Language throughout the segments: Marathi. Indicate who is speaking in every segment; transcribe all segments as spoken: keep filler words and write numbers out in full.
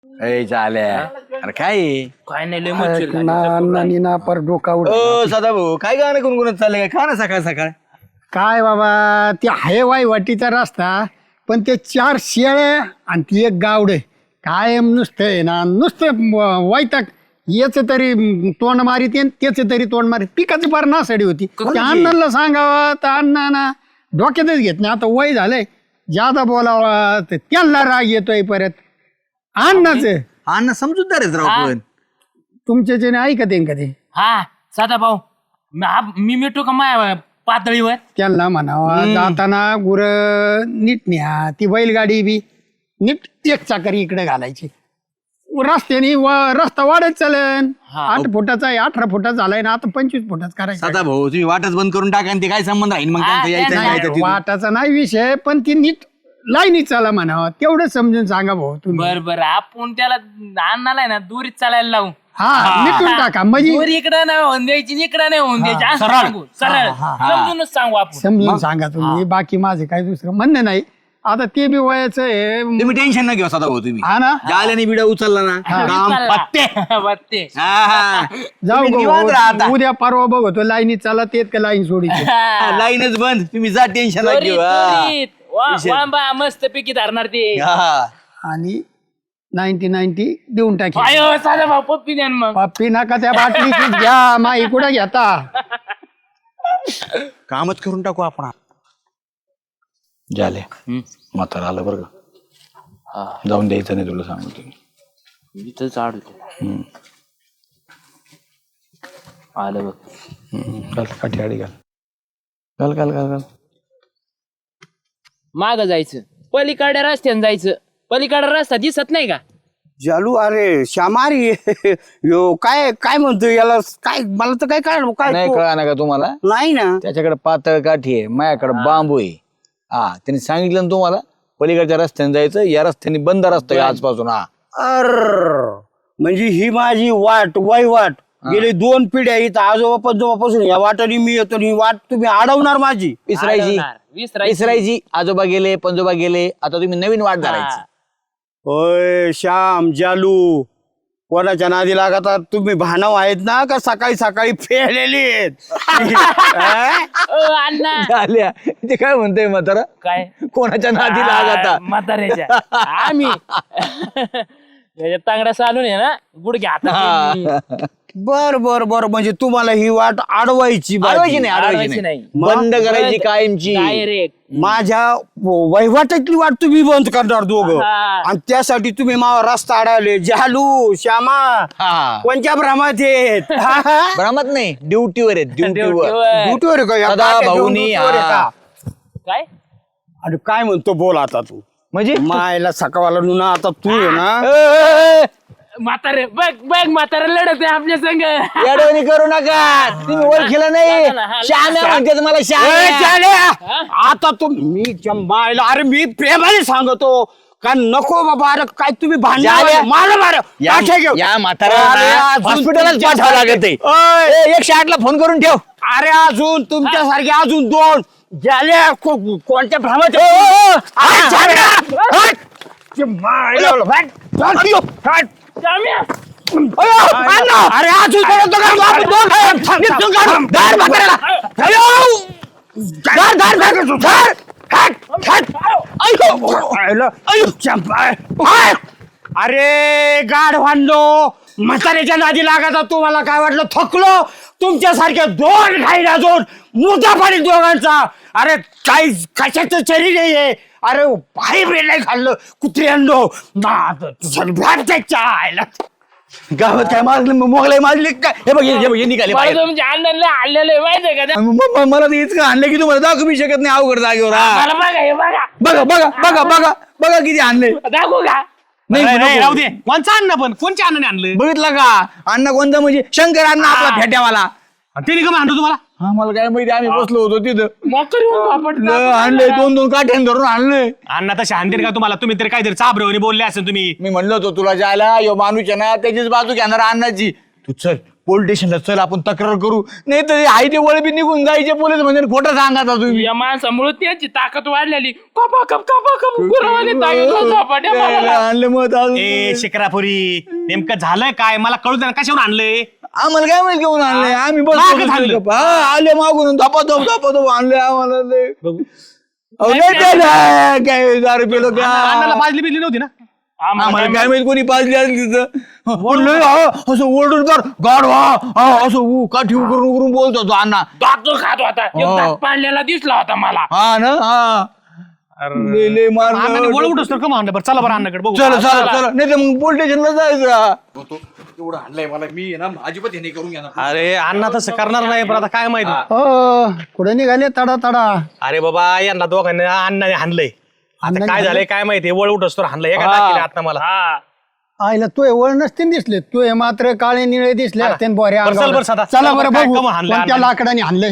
Speaker 1: ए झाल्या अरे काय आहे?
Speaker 2: काय नाही लय मच्छर लागली.
Speaker 3: नानी ना पर डोका उड
Speaker 1: ओ सदा भाऊ काय गाणं गुणगुणत चाललंय काय खा ना सकाळ सकाळ
Speaker 3: काय बाबा ते आहे वाई वाटीचा रस्ता पण ते चार शेळ्या आणि ती एक गावडे काय नुसतं आहे ना नुसतं वैताग याच तरी तोंड मारित त्याच तरी तोंड मारित पिकाची पार नासाडी होती त्या अण्णांना सांगावं तर अण्णा ना डोक्यातच घेत नाही आता वय झालंय जादा बोलावा तर त्यांना राग येतोय परत अण्णाच
Speaker 1: अण्णा समजूतदार आहेत राव पण
Speaker 3: तुमच्या जेने ऐकत येईन का ते
Speaker 2: हा साधा भाऊ मी आप- मी मिठू का माया पातळीवर
Speaker 3: त्यांना म्हणावा जाताना गुर नीट न्या ती बैलगाडी बी नीट एक चाकरी इकडे घालायची रस्त्याने व- रस्ता वाढत चालन आठ फुटाचा आहे अठरा फुटाचा झालाय ना आता पंचवीस फुटाचा करायचा
Speaker 1: सदा भाऊ तुम्ही वाटच बंद करून टाका आणि ते काय संबंध राहील मग त्यांचं यायचं
Speaker 2: नाही,
Speaker 1: नाही यायचं तिथून.
Speaker 3: वाटाचा नाही विषय पण ती नीट लाईनीत चाला म्हणावा तेवढं समजून सांगा भाऊ तुम्ही
Speaker 2: बर बर आपण त्याला अन्नाला ना दुरीत चालायला लावू
Speaker 3: हा मिटून टाका म्हणजे
Speaker 2: दूर इकडं नाही होऊन द्यायची इकडं नाही होऊन द्यायची असं सांगू सरळ समजूनच सांगू आपण
Speaker 3: समजून सांगा तुम्ही बाकी माझे काही दुसरं म्हणणं नाही आता ते बी वयाचं आहे
Speaker 1: तुम्ही टेन्शन न घेऊ सदा भाऊ तुम्ही
Speaker 3: हा ना
Speaker 1: जाल्याने बिडा उचलला ना काम पत्ते
Speaker 2: पत्ते
Speaker 1: हा, हा.
Speaker 3: जाऊ
Speaker 1: तुम्ही
Speaker 3: गो,
Speaker 1: निवांत राहा आता.
Speaker 3: उद्या परवा बघतो लाईनीत चाला तेच का लाईन सोडीची
Speaker 1: हा, लाईनच बंद तुम्ही जा टेन्शन न घेऊ हा.
Speaker 2: वांबा मस्त पिकी धरणार ते
Speaker 1: हा.
Speaker 3: आणि नाईन्टी नाईन्टी देऊन टाकी
Speaker 2: आयो साधा भाऊ पप्पी द्या ना मग
Speaker 3: पप्पी नका त्या बाटलीचीच घ्या माई कुठं घेता
Speaker 1: कामच करून टाकू आपण झाले म्हातारा आलं बरं का जाऊन द्यायचं नाही तुला सांगतो
Speaker 2: इथंच आडवते आलं बघ
Speaker 1: घाल काठी आडी घाल घाल घाल घाल घाल
Speaker 2: माग जायचं पलीकडे रस्त्याने जायचं पलीकडे रस्ता दिसत नाही का
Speaker 4: जालू अरे श्यामारी यो काय काय म्हणतो याला काय मला तर काय कळलं काय
Speaker 1: नाही
Speaker 4: तो-
Speaker 1: कळा ना का तुम्हाला
Speaker 4: नाही ना
Speaker 1: त्याच्याकडे पातळ काठी आहे माझ्याकडे बांबू आहे हा त्यांनी सांगितलं ना तुम्हाला पलीकडच्या रस्त्याने जायचं या रस्त्याने बंद रस्ता आहे आजपासून हा
Speaker 4: अर म्हणजे ही माझी वाट वाई वाट गेली दोन पिढ्या इथं आजोबा पंजोबापासून या वाटाने मी येतो आणि ही वाट तुम्ही अडवणार माझी
Speaker 1: विसरायची
Speaker 2: अडवणार, विसरायची.
Speaker 1: विसरायची आजोबा गेले पंजोबा गेले आता तुम्ही नवीन वाट धरायची
Speaker 4: होय श्याम जालू कोणाच्या नादी लागतात तुम्ही भानव आहेत ना का सकाळी सकाळी फेलेली आहेत हा?
Speaker 2: ओ, अण्णा
Speaker 1: झाल्या ते काय म्हणतोय म्हातारा
Speaker 2: काय
Speaker 1: कोणाच्या नादी लागता
Speaker 2: म्हाताऱ्याच्या आम्ही त्याच्या तांगड्या चालून आहे ना गुडघे हातात
Speaker 4: बर बर बर म्हणजे तुम्हाला ही वाट अडवायची बाजी.
Speaker 1: अडवायची नाही अडवायची
Speaker 2: अडवायची
Speaker 1: नाही
Speaker 2: नाही.
Speaker 1: बंद करायची कायमची
Speaker 2: डायरेक्ट
Speaker 4: माझ्या वहिवाटातली वाट तुम्ही बंद करणार दोघं
Speaker 2: हा.
Speaker 4: आणि त्यासाठी तुम्ही मावा रस्ता अडवले जालू श्यामा
Speaker 1: हा
Speaker 4: कोणत्या भ्रमात आहेत
Speaker 1: भ्रमत नाही ड्युटीवर आहे ड्युटीवर
Speaker 2: ड्युटीवर.
Speaker 4: ड्युटीवर आहे का? या
Speaker 1: सदा
Speaker 4: काट्या घेऊन
Speaker 1: भाऊनी,
Speaker 4: ड्युटीवर आहे
Speaker 1: हा.
Speaker 4: का?
Speaker 2: काय
Speaker 4: अरे काय म्हणतो बोल आता तू
Speaker 1: म्हणजे
Speaker 4: मायला सकाळला नुना आता तू आहे ना
Speaker 1: ए, ए,
Speaker 2: म्हातारे बघ बघ म्हातारे लढत आहे आपल्या संग
Speaker 1: येडवणी करू नका तुम्ही ओळखीला नाही
Speaker 2: हा, हा,
Speaker 1: श्याम्या म्हणते मला
Speaker 4: ए,
Speaker 1: श्याम्या
Speaker 4: जाल्या! आता तू मी च्या मायला अरे मी प्रेमाने सांगतो का नको बाबा अरे काय तुम्ही
Speaker 1: जाल्या!
Speaker 4: भांडण मार मार
Speaker 1: या-
Speaker 4: काठ्या घेऊ.
Speaker 1: या
Speaker 4: अरे,
Speaker 1: म्हाताऱ्याला
Speaker 4: अजून
Speaker 1: हॉस्पिटलच
Speaker 4: तुमच्या
Speaker 1: पाठवावं
Speaker 4: सारखे-
Speaker 1: लागत आहे.
Speaker 4: ओय!
Speaker 1: ए, एकशे आठ ला फोन करून ठेव
Speaker 4: अरे अजून तुमच्यासारखे अजून दोन झाल्या को- कोणत्या भ्रमात
Speaker 1: ओ, ओ, ओ!
Speaker 4: अरे, जाल्या! हट! च्या मायला हट! हट! हट! अयो, अरे अजून कोण होतं का? बाप, दोन आहे. निघून काढ. धर म्हाताऱ्याला. अयो! धर, धर, धर, धर. हट, हट. अयो! अयो, अयो, चंपा. हट! अरे गाड भांडलो म्हाताऱ्याच्या नादी लागायचा तुम्हाला काय वाटलं थकलो तुमच्यासारख्या दोन खाईल अजून मुद्दा पाणी दोघांचा अरे काही कशाचं शरीर आहे अरे भाई ब्रेड नाही खाल्लं कुत्री अंडो त्याच्या आयला
Speaker 1: गावात काय मारलं मोगलाई मारली काय हे बघ हे हे बघ हे निघाले
Speaker 2: मला
Speaker 1: बाहेर.
Speaker 2: तुमच्या अण्णांना आणलेलं आहे माहितीये का ते?
Speaker 1: म- म- मला तर इतकं आणलं की तुम्हाला दाखवू बी शकत नाही अवघड जागेवर हा.
Speaker 2: मला बघा हे बघा
Speaker 1: बघा बघा बघा बघा बघा किती आणले
Speaker 2: दाखवू का
Speaker 1: नाही नको.
Speaker 5: राहू दे कोणचा अन्न पण कोणच्या अन्नाने आणलं
Speaker 1: बघितलं का अण्णा कोणता म्हणजे शंकर अण्णा आपला फेट्यावाला
Speaker 5: ते का म्हणतो तुम्हाला
Speaker 1: हा मला काय माहिती आम्ही बसलो होतो तिथं
Speaker 2: मकर येऊन पापड
Speaker 1: ल, आणलंय दोन दोन काठ्यान धरून आणलंय
Speaker 5: अण्णा तर शांतीर का तुम्हाला तुम्ही तरी काहीतरी चाबरवणी बोलले असेल तुम्ही
Speaker 1: मी म्हणलो होतो तुला जायला यो माणूस आहे ना त्याचीच बाजू घेणार अण्णाची तू चल पोलीस स्टेशनला चल आपण तक्रार करू, नाही तर आई ते वळ बी निघून जायचे पोलीस म्हणजे खोटं सांगायचा तुम्ही.
Speaker 2: या माणसामुळे त्यांची ताकद वाढलेली. कपा कप कपा कप गुरवाने ताकद झोपाट्या मारायला.
Speaker 1: आणलं मत
Speaker 5: ए शिक्रापुरी नेमकं झालंय काय मला कळू दे ना, कशावर आणलंय?
Speaker 1: आम्हाला काय माहिती घेऊन आणले आम्ही
Speaker 5: मागं थांबलो.
Speaker 1: बस आले मागून धपा धप धपा धप आणले आम्हाला ते. अहो, नाही ते नाही, काय दारू पिलो का
Speaker 5: अण्णाला पाजली बिजली नव्हती ना?
Speaker 1: आम्हाला काय माहिती कोणी पाजली असली तिथं बोललोय असं ओरडून कर गाड व्हा असं उ- काठी उकरून उकरून बोलत होतो अण्णा.
Speaker 2: दात खात होता. एक
Speaker 1: हो.
Speaker 2: दात पाडलेला दिसला होता मला.
Speaker 1: हा ना हा लय लय मार
Speaker 5: अण्णाने वळ उठस तर कमा आणलं. बरं चला बरं अण्णाकडे बघू.
Speaker 1: चला चला चला नाही तर मग पोलीस स्टेशनला जायचं.
Speaker 6: एवढं आणलंय मला मी आहे ना अजिबात हे नाही करून घेणार.
Speaker 5: अरे अण्णा तसं करणार नाही पण आता काय माहिती.
Speaker 3: हो कुठे निघाले तडा तडा.
Speaker 5: अरे बाबा यांना दोघांना अण्णाने हाणलंय. आता
Speaker 3: अण्णाने
Speaker 5: काय झालंय काय माहिती वळ उठस तर हाणलंय एका टाकीला आता मला.
Speaker 2: हा
Speaker 3: आईला तू वळ नसते दिसले, तू हे मात्र काळे निळे दिसले असते बोऱ्या
Speaker 5: बरं, चल
Speaker 3: अंगावर.
Speaker 5: बरं सदा.
Speaker 3: चला
Speaker 5: चल
Speaker 3: बरं
Speaker 5: बरं, काय
Speaker 3: बघू
Speaker 5: कमं हाणलंय
Speaker 3: कोणत्या
Speaker 5: अण्णाने?
Speaker 3: लाकडाने हाणले.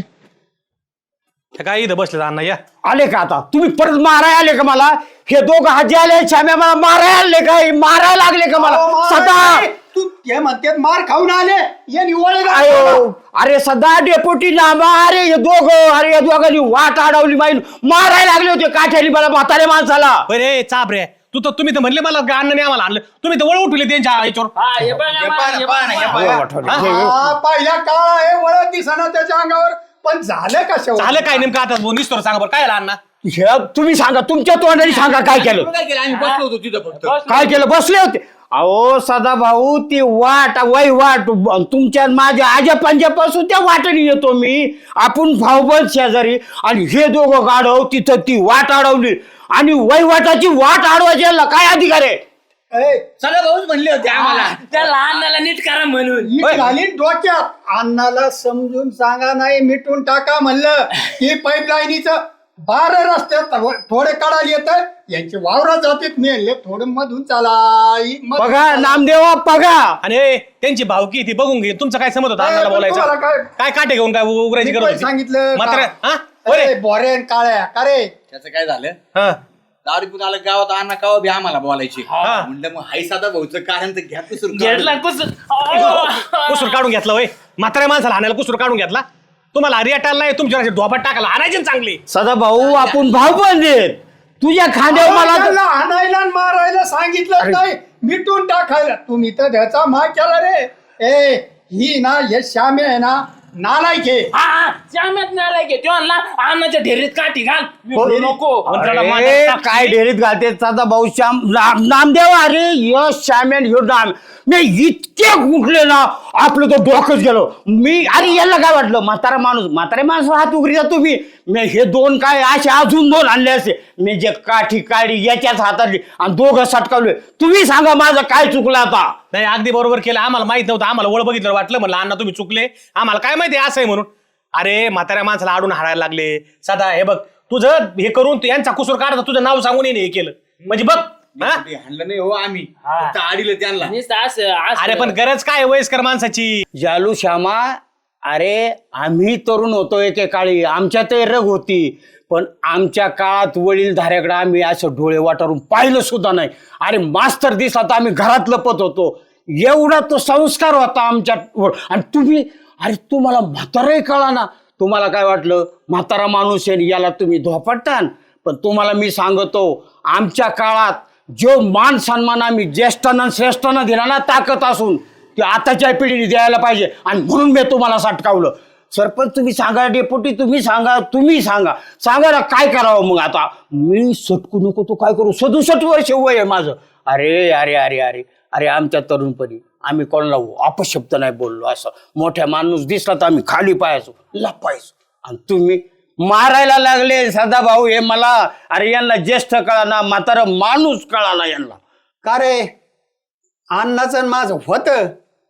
Speaker 5: हे काय इथं बसले अण्णा या.
Speaker 4: आले का आता तुम्ही परत मारायला आले का मला? हे दोघं हाजी आले छाम्या मला मारायला आले का? हे मारायला लागले का मला सदा?
Speaker 3: तू ते म्हणते मार खाऊन आले ये निवळ
Speaker 4: आयो अरे सदा डेपोटी नामा अरे हे दोघं अरे या दोघांनी वाट अडवली माईल मारायला लागले होते काठ्याने मला म्हातारे माणसाला.
Speaker 5: अरे चाप रे तू तर तुम्ही तर म्हणले मला अण्णाने आम्हाला आणलं, तुम्ही तर वळ उठले त्यांच्या याच्यावर.
Speaker 2: हा हे बघा, हे बघा, हे बघा.
Speaker 3: पहिला काळ आहे वळ दिसना त्याच्या अंगावर, पण झालं कशा
Speaker 5: झालं काय नेमकं आता निस्तोर सांगा बरं काय झालं अण्णा?
Speaker 4: हे तुम्ही सांगा तुमच्या तोंडाने सांगा काय केलं
Speaker 6: काय केलं आम्ही बसलो होतो तिथं फक्त.
Speaker 4: काय केलं बसले होते. अहो सदा भाऊ ती वाट वय वाट तुमच्या माझ्या आजा पंजापासून त्या वाटेने येतो मी. आपण भाऊबंद शेजारी आणि हे दोघं गाढव तिथं ती वाट अडवली आणि वयवाटाची वाट अडवायची याला काय अधिकार आहे?
Speaker 6: सगळे भाऊच म्हणले होते आम्हाला.
Speaker 2: त्या लहानाला नीट करा म्हणून.
Speaker 3: झाली डोक्यात अण्णाला समजून सांगा नाही मिटून टाका म्हणलं की पाईपलाईनीचं बारा रस्त्यात थोडे काढायला येत यांची वावरात जातात नेले थोडं मधून चाला मग-
Speaker 4: बघा नामदेवा बघा.
Speaker 5: आणि ए, त्यांची भावकी ती बघून घे. तुमचं काय समज होतं
Speaker 3: ए,
Speaker 5: अण्णाला
Speaker 3: पण तुम्हाला
Speaker 5: बोलायचं?
Speaker 3: काय-
Speaker 5: काय काटे घेऊन काय उघडायची
Speaker 3: मी
Speaker 5: गरज
Speaker 3: पण
Speaker 5: होती?
Speaker 3: सांगितलं
Speaker 5: मात्र
Speaker 3: का?
Speaker 5: हा
Speaker 3: अरे,
Speaker 5: अरे
Speaker 3: बोऱ्यान काळ्या का रे
Speaker 6: त्याचं काय झालं
Speaker 5: हा
Speaker 6: दारू पिऊन आलं गावात अण्णा कावा बी आम्हाला बोलायचे.
Speaker 5: हा.
Speaker 6: म्हणलं मग हाय साधा भाऊचं कारण तर घ्या सुरू
Speaker 2: घेतला कुस
Speaker 5: कुसूर काढून घेतला वय म्हाताऱ्या माणसाला हाणायला कुसूर काढून घेतला. तुम्हाला हरियाटाला नाही तुमच्या ढोपात टाकायला हाणायची ना चांगली.
Speaker 4: सदा भाऊ आपण भाऊबंद आहेत. तुझ्या खांद्यावर मला
Speaker 3: त्यांना आणायला आणि मारायला सांगितलं नाही मिटून टाकायला तुम्ही तर त्याचा माग केला रे. ए ही ना हे श्यामे आहे ना नालायक आहे.
Speaker 2: हा श्यामेत नाही घे तो आणला अन्नाच्या ढेरीत काठी घाल. विसरू नको.
Speaker 4: अरे, काय ढेरीत घालते सदा भाऊ श्याम नाम- नामदेव अरे यश श्यामेन ह्यो नाम मी इतके गुंठले ना आपलं तो डोकंच गेलो. मी अरे याला काय वाटलं म्हातारा माणूस म्हातारे माणूस हात उघडी जातो मी मी हे दोन काय असे अजून दोन आणले असते. मी जे काठी काढी याच्याच हातातली आणि दोघं सटकावले. तुम्ही सांगा माझं काय चुकलं आता?
Speaker 5: नाही अगदी बरोबर केलं. आम्हाला माहित नव्हतं. आम्हाला ओळ बघितलं वाटलं म्हणलं अण्णा तुम्ही चुकले. आम्हाला काय माहिती असं आहे म्हणून. अरे म्हाताऱ्या माणसाला आडून हाडायला लागले. सदा हे बघ तुझं हे करून तू यांचा कुसूर काढता तुझं नाव सांगून हे केलं म्हणजे बघ. हा?
Speaker 6: हाणलं नाही हो आम्ही फक्त आडीलं त्यांना.
Speaker 2: नुसतं असं असं.
Speaker 5: अरे पण गरज काय आहे वयस्कर माणसाची?
Speaker 4: जालू श्यामा अरे आम्ही तरुण होतो एकेकाळी आमच्यातही रग होती पण आमच्या काळात वडील धाऱ्याकडे आम्ही असं डोळे वाटारून पाहिलं सुद्धा नाही. अरे मास्तर दिसला तर आम्ही घरात लपत होतो. एवढा तो संस्कार होता आमच्या. आणि तुम्ही अरे तुम्हाला म्हाताराही कळा ना. तुम्हाला काय वाटलं म्हातारा माणूस आहे याला तुम्ही धोपटान. पण तुम्हाला मी सांगतो आमच्या काळात जो मान सन्मान आम्ही ज्येष्ठांना श्रेष्ठांना दिला ना ताकद असून ते आताच्या पिढीने द्यायला पाहिजे. आणि म्हणून मी तुम्हाला सटकावलं. सरपंच तुम्ही सांगा डेपुटी तुम्ही सांगा तुम्ही सांगा सांगा ना काय करावं मग आता. मी सटकू नको तो काय करू सदुसष्ट वर्ष वय आहे माझं. अरे अरे अरे अरे अरे आमच्या तरुणपणी आम्ही कोणाला अपशब्द नाही बोललो. असं मोठ्या माणूस दिसला तर आम्ही खाली पाहायचो लपायचो. आणि तुम्ही मारायला लागले सदा भाऊ हे मला. अरे यांना ज्येष्ठ कळा ना म्हातारा माणूस कळा ना यांना.
Speaker 3: का रे अण्णाचं माझं होतं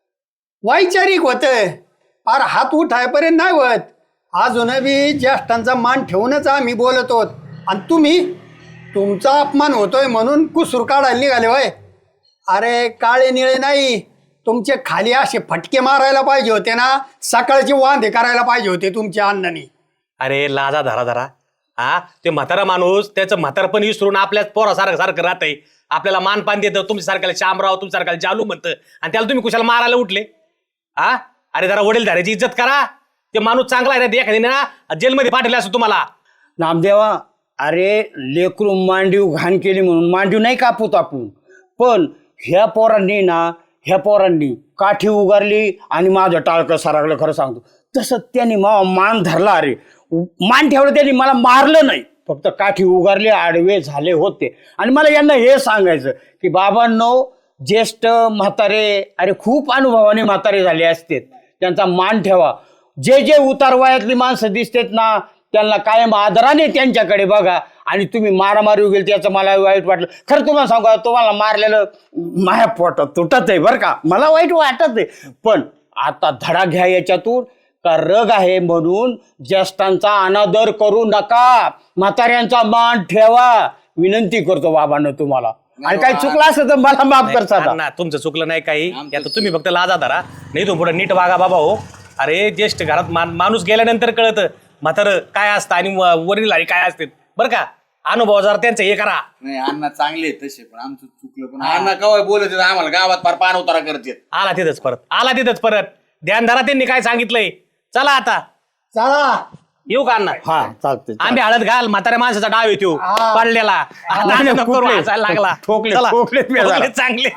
Speaker 3: वैचारिक होतं फार हात उठायपर्यंत नाही होत. अजून बी ज्येष्ठांचा मान ठेवूनच आम्ही बोलत आहोत आणि तुम्ही तुमचा अपमान होतोय म्हणून कुसूर काढायला निघाले होय. अरे काळे निळे नाही तुमचे खाली असे फटके मारायला पाहिजे होते ना. सकाळचे वांदे करायला पाहिजे होते तुमच्या अण्णांनी.
Speaker 5: अरे लाजा धरा धरा हा ते म्हातारा माणूस त्याचं म्हातारपण विसरून आपल्याच पोरासारखं सारखं राहतंय. आपल्याला मानपान देतं तुमच्या सारख्याला शामराव तुमच्या सारख्याला जालू म्हणतं आणि त्याला तुम्ही कुशाला मारायला उठले. हा अरे जरा वडील धाऱ्याची इज्जत करा. ते माणूस चांगला आहे ना, एखाद्याने ना जेलमध्ये पाठवले असं तुम्हाला.
Speaker 4: नामदेवा, अरे लेकरू मांडीव घाण केली म्हणून मांडीव नाही कापूत आपण, पण ह्या पोरांनी ना ह्या पोरांनी काठी उगारली आणि माझं टाळकं सारागलं. खरं सांगतो तसं त्यांनी मा मान धरला. अरे मान ठेवलं त्यांनी, मला मारलं नाही, फक्त काठी उगारली, आडवे झाले होते. आणि मला यांना हे सांगायचं की बाबांनो, ज्येष्ठ म्हातारे अरे खूप अनुभवाने म्हातारे झाले असते, त्यांचा मान ठेवा. जे जे उतार वयातली माणसं दिसतात ना त्यांना कायम आदराने त्यांच्याकडे बघा. आणि तुम्ही मारामारी गेल त्याचं मला वाईट वाटलं. खरं तुम्हाला सांगा, तुम्हाला मारलेलं माझ्या पोटात तुटत आहे बरं का, मला वाईट वाटत आहे. पण आता धडा घ्या याच्यातून का रग आहे म्हणून ज्येष्ठांचा अनादर करू नका, म्हाताऱ्यांचा मान ठेवा, विनंती करतो बाबांना तुम्हाला. आणि काही चुकलं असं तर मला माफ करता.
Speaker 5: ना तुमचं चुकलं नाही काही, आता तुम्ही फक्त लाजा धरा, नाही तो पुढे नीट वागा बाबा. हो अरे ज्येष्ठ घरात मान माणूस गेल्यानंतर कळतं म्हातारं काय असतं आणि वरील आणि काय असते बरं का. अनुभव जरा त्यांचं हे करा.
Speaker 6: नाही अण्णा चांगले आहेत तसे, पण आमचं चुकलं. पण अण्णा कवा बोलत आहेत, आम्हाला गावात फार पान उतारा करतात.
Speaker 5: आला तिथंच परत, आला तिथंच परत. ध्यान धरा त्यांनी काय सांगितलंय. चला आता
Speaker 4: चला
Speaker 5: येऊ का अण्णा?
Speaker 4: हा चालते.
Speaker 5: आंबे हळद घाल, म्हाताऱ्या माणसाचा डाव येतो पडलेला. नको करू, हसायला लागला.
Speaker 4: ठोकले,
Speaker 5: चला.
Speaker 4: ठोकले मी जरा.
Speaker 5: ठोकले चांगले.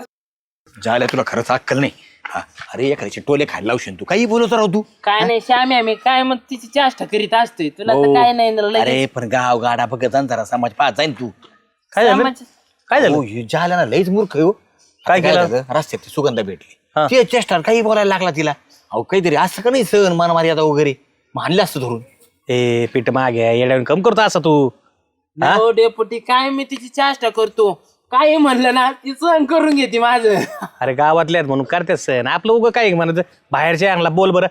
Speaker 1: झालं तुला खरंच अक्कल नाही. हा, अरे एखाद्याचे टोले खायला लावशील तू, काही बोलत राहू तू.
Speaker 2: काय नाही श्याम्या, मी काय मग तिची चेष्टा करीत असतोय, तुला तर
Speaker 1: हो.
Speaker 2: काय नाही ना लगेच.
Speaker 1: अरे पण गाव गाडा बघत जा ना जरा, समाज पाहत जाईन तू.
Speaker 5: काय झालं?
Speaker 2: समाज-
Speaker 5: काय झालं?
Speaker 1: हो, हे झालं ना लईच मूर्ख आहे हो.
Speaker 5: काय
Speaker 1: आता
Speaker 5: केलं?
Speaker 1: झालं, रस्त्यात ती सुगंधा भेटली,
Speaker 5: हा.
Speaker 1: ते चेष्टा काही बोलायला लागला तिला. अहो काहीतरी असं का नाही सहन मानमारी आता वगैरे मानलं असतं धरून.
Speaker 5: ए पीठ मागे येड्यावर कम करतो असं तू. हा?
Speaker 2: हो डेपुटी, काय मी तिची चेष्टा करतो, काय म्हणलं ना ती सहन करून घेते माझं.
Speaker 5: अरे गावातले आहेत म्हणून करते सण, आपलं उगं काय म्हणत बाहेरच्या आणला बोल बरं.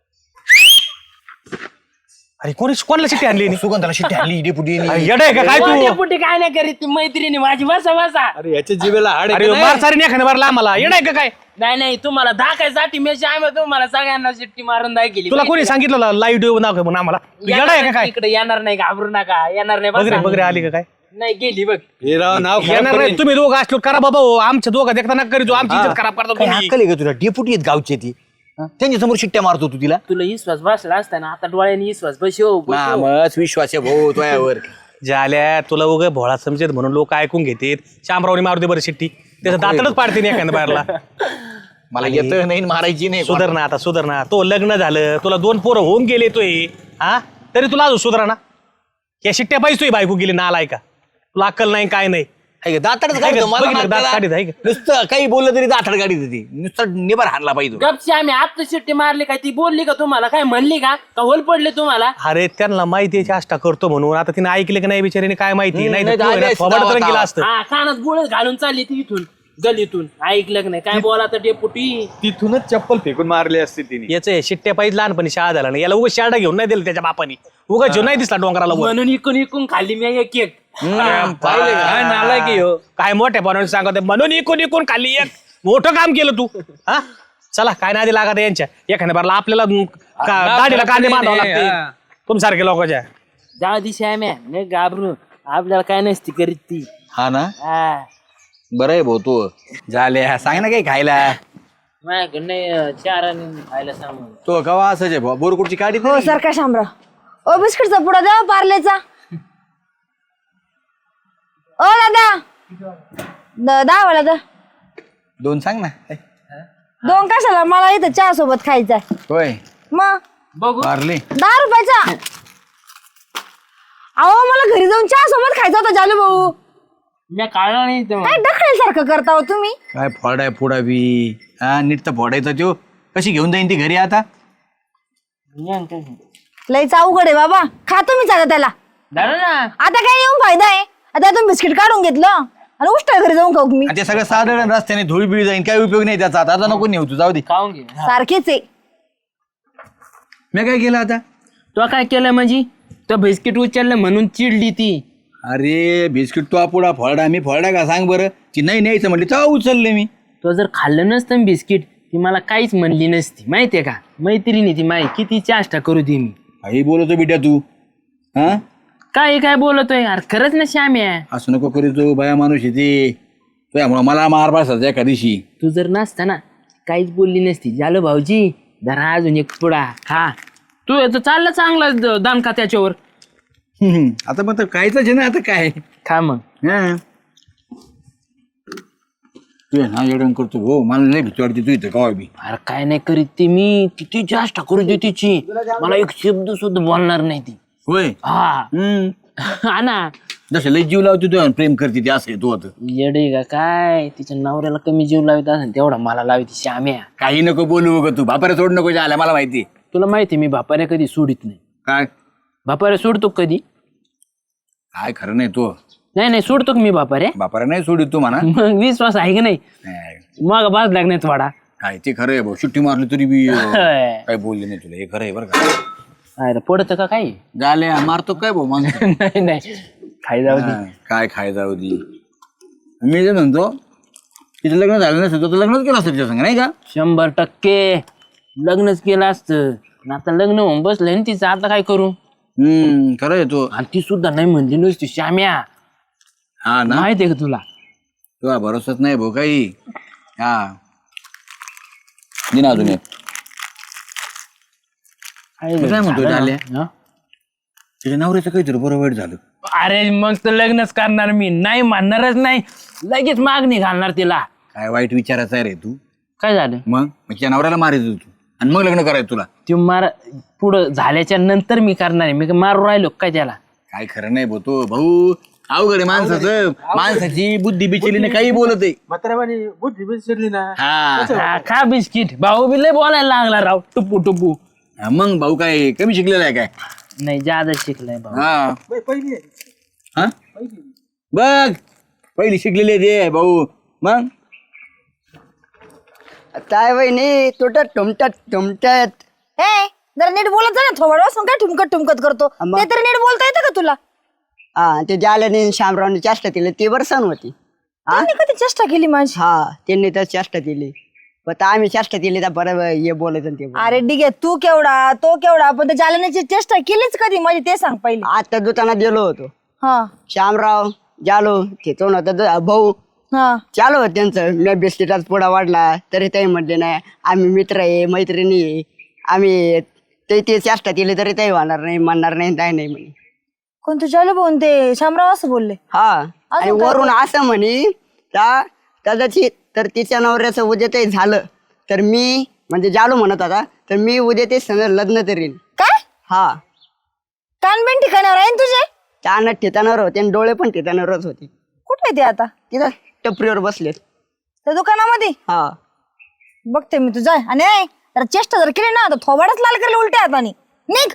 Speaker 5: अरे कोणी कोणाला शिट्टी आणली?
Speaker 1: सुगंधाला शिट्टी आणली डेपुटी.
Speaker 5: येड आहे का काय
Speaker 2: हो,
Speaker 5: तू?
Speaker 2: डेपुटी काय नाही करीत, ती मैत्रिणी माझी बसा बसा.
Speaker 1: अरे याच्या जीवेला हाड
Speaker 5: अरे मार सारी नाही मारला आम्हाला. येड आहे का काय?
Speaker 2: नाही नाही, तुम्हाला दाखायसाठी मी आम्ही तुम्हाला सगळ्यांना शिट्टी मारून दाखवली.
Speaker 5: तुला कोणी सांगितलं लाईव्ह देऊ नाव म्हणून आम्हाला? येड आहे का काय?
Speaker 2: इकडे येणार नाही, घाबरू नका, येणार नाही.
Speaker 5: बगरे
Speaker 2: बसा.
Speaker 5: बगरे आली का काय?
Speaker 2: नाही गेली बघ.
Speaker 1: नाव
Speaker 5: येणार नाही. तुम्ही दोघं असलो करा बाबा हो. आमच्या दोघं देखता नका करीतो, आमची इज्जत खराब करता
Speaker 1: काय
Speaker 5: तुम्ही.
Speaker 1: अक्कल आहे का तुला? डेपुटी आहेत गावचे ती, हा? त्यांच्या समोर शिट्ट्या मारतो तू तिला.
Speaker 2: तुला विश्वास बसला असताना आता डोळ्याने विश्वास बसव बसव.
Speaker 1: नामच विश्वास आहे भाऊ तुझ्यावर.
Speaker 5: झाल्या तुला उगं भोळा समजेत म्हणून लोक ऐकून घेतात. शामरावनी मारू दे बरं शिट्टी, त्याचं दातडच पाडते नाही एखाद्या बाहेरला.
Speaker 1: मला येत नाही मारायची नाही.
Speaker 5: सुधर ना आता, सुधर ना. तो लग्न झालं, तुला दोन पोरं होऊन गेले तोय, हा तरी तुला अजून सुधरा ना. या शिट्ट्या पाहिजे तोय बायको गेली नाला का? तुला अक्कल नाही काय नाही.
Speaker 1: दातडच
Speaker 5: आहे का?
Speaker 1: काढतो मला
Speaker 5: बघितलं, दात
Speaker 1: नाकाला.
Speaker 5: काढीत आहे का?
Speaker 1: नुसतं काही बोललं तरी दातड गाडी देते, नुसतं निभार हाणला पाहिजे.
Speaker 2: गपशी आम्ही आता शिट्टी मारली काय, ती बोलली का तुम्हाला, काय म्हणली का का होल पडले तुम्हाला?
Speaker 5: अरे त्यांना माहिती आहे चेष्टा करतो म्हणून. आता तिने ऐकले की नाही बिचारीने काय माहिती.
Speaker 1: हम्म,
Speaker 5: नाही
Speaker 1: नाही तर आली असती
Speaker 5: थोबाड
Speaker 1: गावात.
Speaker 5: गेला असतं.
Speaker 2: हा कानात गोळ घालून चालली ती इथून गलीतून, ऐकलं का नाही काय बोला तर डेपुटी.
Speaker 6: तिथूनच चप्पल फेकून मारली असते तिने.
Speaker 5: याच शिट्ट्या पाहिजे लहानपणी शाळा झाला नाही. याला उगा शाळा घेऊन नाही दिलं त्याच्या बापानी. उगा जीव नाही दिसला डोंगराला वर.
Speaker 2: म्हणून इकून इकून खाल्ली मी एक एक.
Speaker 5: पाहिले का? काय नालायक आहे ह्यो. काय मोठ्या पाण्याने सांगत म्हणून इकून इकून खाल्ली एक. मोठं काम केलं तू. हा चला काय नादी लागत यांच्या. एखाद्या बारला आपल्याला का- गाडीला कांदे बांधावं लागते तुमसारखे लोकांच्या.
Speaker 2: जाऊ दिशा आम्ही नाही घाबरू, आपल्याला काय नसती करीत ती.
Speaker 1: हा ना,
Speaker 2: हा
Speaker 1: बरं आहे भाऊ तू. झाले सांग ना काही खायला.
Speaker 2: माझ्याकडे नाही चार आणि खायला सांगून.
Speaker 1: तो कवा असं आहे भाऊ, बोरकुटची काढी
Speaker 7: हो सर काय शामराव. ओ बिस्किटचा पुडा द्या पार्लेचा. ओ दादा द- दहा वाला दा.
Speaker 1: दोन सांग ना.
Speaker 7: दोन कशाला, मला इथं चहा सोबत खायचा
Speaker 1: होय
Speaker 7: मग.
Speaker 2: बघू
Speaker 1: मारले.
Speaker 7: दहा रुपयाचा. अहो मला घरी जाऊन चहा सोबत खायचा होता जालू भाऊ.
Speaker 2: मी काढला नाही तेव्हा.
Speaker 7: काय ढकळल्यासारखं करता हो तुम्ही.
Speaker 1: काय फोडाय फोडा बी. हा नीट तर फोडायचा त्यो. कशी घेऊन जाईन ती घरी आता?
Speaker 7: लईच अवघड आहे बाबा. खा तुम्हीच आता त्याला.
Speaker 2: झालं ना.
Speaker 7: आता काय येऊन फायदा आहे. आता तुम्ही बिस्किट काढून घेतलं आणि उष्टा घरी जाऊन खाऊ मी.
Speaker 1: आणि ते सगळं साधारण रस्त्याने धूळ बिळ जाईन, काही उपयोग नाही त्याचा. आता नको नेऊ तू, जाऊ दे.
Speaker 2: खाऊन घे.
Speaker 7: सारखेच आहे.
Speaker 1: मी काय केलं आता?
Speaker 2: तो काय केलं म्हणजे तो बिस्किट उचललं म्हणून चिडली ती.
Speaker 1: अरे बिस्किट तो पुढा फोडा, मी फोडा का सांग बरं. ती नाही न्यायचं म्हणली तेव्हा उचलले मी.
Speaker 2: तो जर खाल्लं नसतं बिस्किट ती मला काहीच म्हणली नसती, माहितीये का. मैत्रिणी ती माही किती चेष्टा करू दे मी.
Speaker 1: काही बोलतो बिट्या तू. हा
Speaker 2: काय काय बोलतोय यार, खरंच ना श्याम्या.
Speaker 1: असं नको करू तू, बाया माणूस येते तुझ्यामुळं मला मार बसायचा एका दिवशी.
Speaker 2: तू जर नसता ना काहीच बोलली नसती. झालं भाऊजी जरा अजून एक पुडा खा. तू याचं चाललं चांगलं द- दणका त्याच्यावर.
Speaker 1: हम्म. आता मग कायच आहे ना आता काय
Speaker 2: खा मग.
Speaker 1: हा. तू आहे ना येडण करतो हो मला नाही भीती वाटते तू इथं कवा बी.
Speaker 2: अरे काय नाही करीत ती मी किती जास्त करू दे तिची. मला एक शब्द सुद्धा बोलणार नाही ती.
Speaker 1: होय
Speaker 2: हा
Speaker 1: हम्म.
Speaker 2: हा ना.
Speaker 1: जसं लय जीव लावतो तू प्रेम करते ते असं आहे तू आता.
Speaker 2: येडे का काय तिच्या नवऱ्याला कमी जीव लावित असेल तेवढा मला लावित श्याम्या.
Speaker 1: काही नको बोलू बघ तू बापाऱ्या सोड नको आल्या मला माहिती.
Speaker 2: तुला माहिती मी बापाऱ्या कधी सोडित नाही.
Speaker 1: काय
Speaker 2: बापाऱ्या सोडतो का कधी?
Speaker 1: काय खरं नाही तू
Speaker 2: नाही नाही सोडतो का मी बापाऱ्या?
Speaker 1: बापाऱ्या नाही सोडित तू म्हणा.
Speaker 2: मग विश्वास आहे की नाही? मग बाज लागणार थोडा.
Speaker 1: काय ते खरं आहे भाऊ सुट्टी मारली तरी बी अं, काय बोलले नाही तुला हे खरं आहे बरं का.
Speaker 2: अरे पडतं का काही?
Speaker 1: झाले मारतो काय भाऊ माणूस.
Speaker 2: नाही नाही खाई जाऊ दे.
Speaker 1: हा, काय खाय जाऊ दे. मी जे म्हणतो तिचं लग्न झालं नसतं तर लग्नच केलं असतं तिच्या संग नाही का.
Speaker 2: शंभर टक्के लग्नच केलं असतं. पण आता लग्न होऊन बसलंय ना तिचं आता काय करू.
Speaker 1: हम्म खरं आहे तो.
Speaker 2: आणि ती सुद्धा नाही म्हणली नुसती श्याम्या.
Speaker 1: हा ना
Speaker 2: माहितीये का तुला?
Speaker 1: तुला भरोसाच नाही भाऊ काही. हा दिन अजून एक. मी काय म्हणतो झाल्या
Speaker 2: हा?
Speaker 1: तिच्या नवऱ्याचं काहीतरी बरं वाईट झालं.
Speaker 2: अरे मग तर लग्नच करणार मी. नाही म्हणणारच नाही. लगेच मागणी घालणार तिला.
Speaker 1: काय वाईट विचारायचं आहे रे तू.
Speaker 2: काय झालं?
Speaker 1: मग मग तिच्या नवऱ्याला मारायचं तू आणि मग लग्न करायचं तुला.
Speaker 2: ते मार पुढं झाल्याच्या नंतर मी करणार आहे. मी काय मारून राहिलो काय त्याला?
Speaker 1: काय खरं नाही भाऊ तो भाऊ अवघड आहे माणसाचं. माणसाची बुद्धी बिचलीने काही बोलत आहे.
Speaker 5: बुद्धी बिघडली ना.
Speaker 1: हा
Speaker 2: हा, खा बिस्किट. भाऊ बी लय बोलायला लागला राव टुपू टुपू.
Speaker 1: हा, मग भाऊ काय कमी शिकलेला आहे काय.
Speaker 2: नाही जादा शिकलाय भाऊ.
Speaker 1: हा हा बघ पहिली शिकलेली आहे ते भाऊ. मग
Speaker 4: काय वहिनी तुटत टुमटत टुमटत.
Speaker 7: हे जरा नीट बोलत जा ना. थोबड वाजून काय ठुमकत ठुमकत करतो
Speaker 4: अम्मा.
Speaker 7: ते तरी नीट बोलता येतं का तुला?
Speaker 4: हा ते जाल्याने शामरावने चेष्टा केली ती वर सण होती.
Speaker 7: त्यांनी कधी चेष्टा केली माझी?
Speaker 4: हा त्यांनी तर चेष्टा केली. पण आम्ही चेष्टा केली तर बरं हे बोलायचं ते बोलायचं.
Speaker 7: अरे डिगे तू केवढा तो केवढा पण त्या जालन्याची चेष्टा केलीच कधी माझी ते सांग पहिले.
Speaker 4: आता दुकानात गेलो होतो.
Speaker 7: हा
Speaker 4: श्यामराव जालो तिथून होता द- भाऊ
Speaker 7: हा
Speaker 4: चालू होत त्यांचं. मी बिस्किटाचा पुडा वाढला तरी ते म्हटले नाही आम्ही मित्र आहे मैत्रिणी आहे आम्ही ते ते चेष्टा केली तरी ते होणार नाही म्हणणार नाही काय नाही म्हणे.
Speaker 7: कोणतं जालू भाऊन ते शामराव असं बोलले?
Speaker 4: हा आणि वरून असं म्हणे का कदाचित तर तिच्या नवऱ्याचं उद्या ते झालं तर मी म्हणजे जालो म्हणत होता तर मी उद्या ते सण लग्न करीन.
Speaker 7: काय
Speaker 4: हा
Speaker 7: कानबेन ठिकाणावर आहे ना तुझे?
Speaker 4: चानत ठिकाणावर होते आणि डोळे पण ठिकाणावरच होते.
Speaker 7: कुठे ते आता?
Speaker 4: तिथं टपरीवर बसलेत.
Speaker 7: त्या दुकानामध्ये
Speaker 4: हा
Speaker 7: बघते मी तुझा. आणि ऐ, जरा चेष्टा जर केली ना तर थोबाडच लाल करेल उलट्या हाताने. निघ.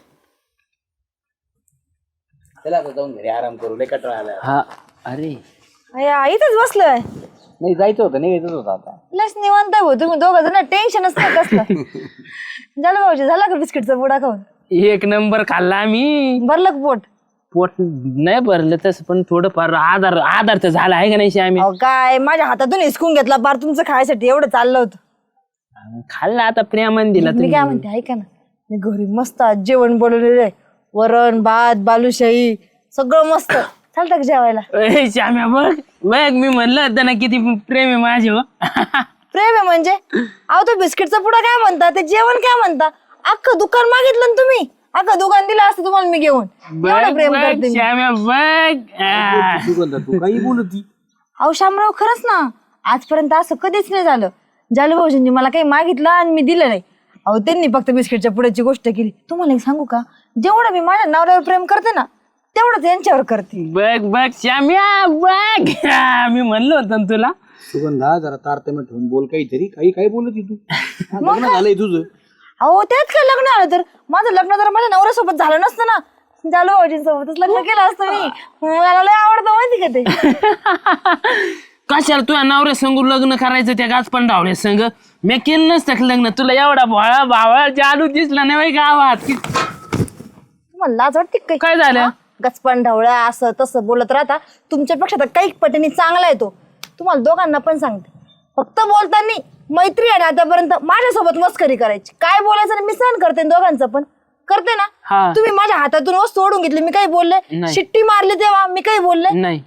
Speaker 1: चला आता जाऊन घरी आराम करू लय कटाळा आला.
Speaker 2: हा अरे
Speaker 7: अय्या, इथंच बसलोय.
Speaker 1: नाही जायचं होतं नाही यायचं होतं आता.
Speaker 7: लस निवांत आहे भाऊ तुम्ही दोघं जण. टेन्शनच नाही कसलं. झालं भाऊजी झाला का बिस्किटचा पुडा खाऊन?
Speaker 2: एक नंबर खाल्ला आम्ही.
Speaker 7: भरलं का पोट?
Speaker 2: पोट नाही भरलं तसं पण थोडंफार आधार आधार तर झाला आहे का नाही श्याम्या?
Speaker 7: अहो काय माझ्या हातातून हिसकून घेतला पार तुमचं खायसाठी. एवढं चाललं होतं.
Speaker 2: खाल्ला आता प्रेमान दिला
Speaker 7: मी काय म्हणते ऐका ना. मी घरी मस्त आज जेवण बनवलेलं आहे. वरण भात बालुशाही सगळं मस्त. चालतं का जेवायला?
Speaker 2: तुम्ही. श्याम्या बघ बघ मी म्हणलं होतं ना किती प्रेम आहे माझे. हो
Speaker 7: प्रेम आहे म्हणजे? अहो तो बिस्किटचा पुडा काय म्हणता ते जेवण काय म्हणता? अख्खं दुकान मागितलं ना तुम्ही. अख्खं दुकान दिलं असतं तुम्हाला मी घेऊन. एवढं प्रेम करते मी.
Speaker 2: श्याम्या बघ आ.
Speaker 5: तू काही बोलती.
Speaker 7: अहो शामराव खरंच ना आजपर्यंत असं कधीच नाही झालं. जालू भाऊजींनी मला काही मागितलं आणि मी दिलं नाही. अहो त्यांनी फक्त बिस्किटच्या पुड्याची गोष्ट केली. तुम्हाला एक सांगू का जेवढं मी माझ्या नवऱ्यावर प्रेम करते ना तेवढंच यांच्यावर करते.
Speaker 2: बघ बघ श्याम्या बघ मी म्हणलं होतं ना तुला.
Speaker 1: सुगंधा जरा तारतम्य ठेवून बोल काहीतरी. काही काय बोलत तू. लग्न झालंय तुझं.
Speaker 7: अहो त्यात काय लग्न आलं तर माझं लग्न जर माझ्या नवऱ्यासोबत झालं नसतं ना जालू भाऊजींसोबतच लग्न केलं असतं मी. मला लय आवडतं माहिती का ते.
Speaker 2: कशाला तुझ्या नवऱ्या संग लग्न करायचं त्या गाचपण डावल्या संग. मी केलं नसतं का लग्न. तुला एवढा भावा भावा जालू दिसला नाही गावात.
Speaker 7: तुम्हाला लाज वाटते का काही?
Speaker 2: काय झालं?
Speaker 7: गचपण ढवळा असं तसं बोलत राहता. तुमच्यापेक्षा तर काही पटीने चांगला आहे तो. तुम्हाला दोघांना पण सांगते फक्त बोलताना मैत्री आहे ना आतापर्यंत माझ्यासोबत मस्करी करायची. काय बोलायचं ना मी सहन करते दोघांचं पण करते ना. तुम्ही माझ्या हातातून वस्तू ओढून घेतली मी काही बोलले?
Speaker 2: नाही.
Speaker 7: शिट्टी मारली तेव्हा मी काही बोलले?
Speaker 2: नाही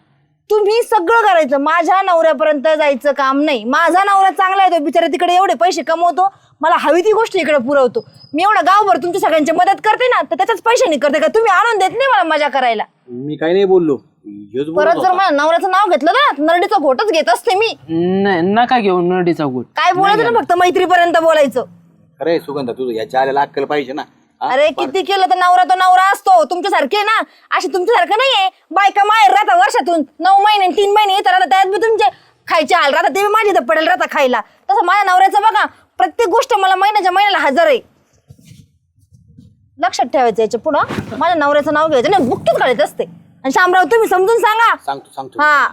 Speaker 7: तुम्ही सगळं करायचं, माझ्या नवऱ्यापर्यंत जायचं काम नाही. माझा नवरा चांगला आहे, तो बिचारा तिकडे एवढे पैसे कमवतो, मला हवी ती गोष्ट इकडे पुरवतो. मी एवढं गावभर तुमच्या सगळ्यांची मदत करते ना, तर त्याच्याच पैशाने करते का? तुम्ही आणून देत नाही मला मजा करायला.
Speaker 6: मी काही नाही बोललो, हेच बोलत
Speaker 7: परत जर
Speaker 6: होता.
Speaker 7: माझ्या नवऱ्याचं नाव घेतलं ना, नरडीचा घोटच घेत असते मी.
Speaker 2: न- नका घेऊ नडीचा गुट.
Speaker 7: काय बोलायचं ना, फक्त मैत्रीपर्यंत बोलायचं.
Speaker 6: अरे सुगंधा तुझं याच्या आलेला अक्कल पाहिजे ना. हा?
Speaker 7: अरे किती केलं तर नवरा तो नवरा असतो. तुमच्यासारखे ना, असे तुमच्यासारखं नाहीये बायका माहेर राहता वर्षातून नऊ महिने तीन महिने येत राहतात, त्यात बी तुमचे खायचे हाल राहतात, ते बी माझी तर पडेल राहता खायला. तसं माझ्या नवऱ्याचं बघा, प्रत्येक गोष्ट मला महिन्याच्या महिन्याला हजर आहे. लक्षात ठेवायचं याच्या पुढं माझ्या नवऱ्याचं नाव घ्यायचं नाही, बुक्कीच काढायचं असते. आणि शामराव तुम्ही समजून सांगा.
Speaker 6: सांगतो सांगतो
Speaker 7: हा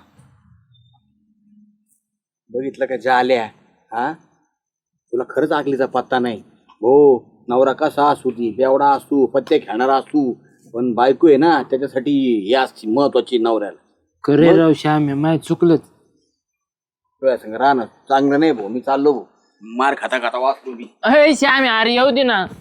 Speaker 6: बघितलं का ज्या आल्या, हा तुला खरंच आकलीचा पत्ता नाही. हो नवरा कसा असू ती बेवडा असू पत्ते खेळणारा असू, पण बायको आहे ना त्याच्यासाठी हे असते महत्वाची नवऱ्याला.
Speaker 2: करे राव श्याम माय चुकलं.
Speaker 6: तुझ्या संग राहणं चांगलं नाही भाऊ. मी चाललो भाऊ, मार खाता खाता वाचतो मी.
Speaker 2: अरे श्याम अरे येऊ दे ना.